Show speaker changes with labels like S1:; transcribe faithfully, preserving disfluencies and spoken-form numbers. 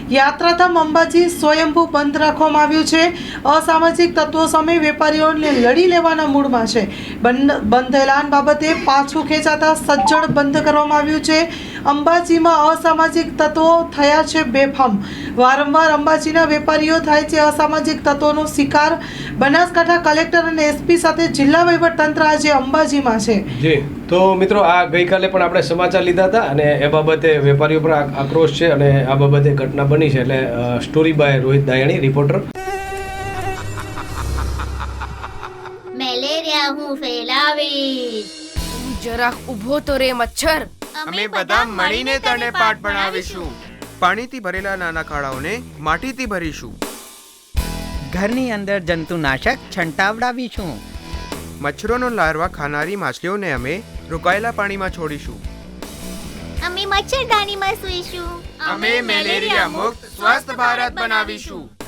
S1: યાત્રાધામ અંબાજી સ્વયંભૂ બંધ રાખવામાં આવ્યું છે. અસામાજિક તત્વો સામે વેપારીઓને લડી લેવાના મૂડમાં છે. બંધ બંધ એલાન બાબતે પાછું ખેંચાતા સજ્જડ બંધ કરવામાં આવ્યું છે. અંબાજીમાં અસામાજિક તત્વો થયા છે બેફામ. વારંવાર અંબાજીના વેપારીઓ થાય છે અસામાજિક તત્વોનો શિકાર. બનાસકાંઠા કલેક્ટર અને એસપી સાથે જિલ્લા વહીવટતંત્ર આજે અંબાજીમાં છે.
S2: જી તો મિત્રો, આ ગઈકાલે પણ આપણે સમાચાર લીધા હતા અને એ બાબતે વેપારીઓ પર આક્રોશ છે અને આ બાબતે ઘટના બની છે. એટલે story by Rohit Dayani, reporter.
S3: Malaria હું ફેલાવીશ.
S4: જરાક ઊભો તો રે મચ્છર.
S5: અમે બધા મળીને તને પાઠ ભણાવીશું. પાણીથી ભરેલા નાના ખાડાઓને માટીથી ભરીશું.
S6: ઘરની અંદર જંતુનાશક છંટાવડાવીશું.
S5: મચ્છરોનો લાર્વા ખાનારી માછલીઓને અમે રોકાયેલા પાણીમાં છોડીશું.
S3: અમે મચ્છરદાનીમાં સૂઈશું.
S5: અમે મેલેરિયા મુક્ત સ્વસ્થ ભારત બનાવીશું.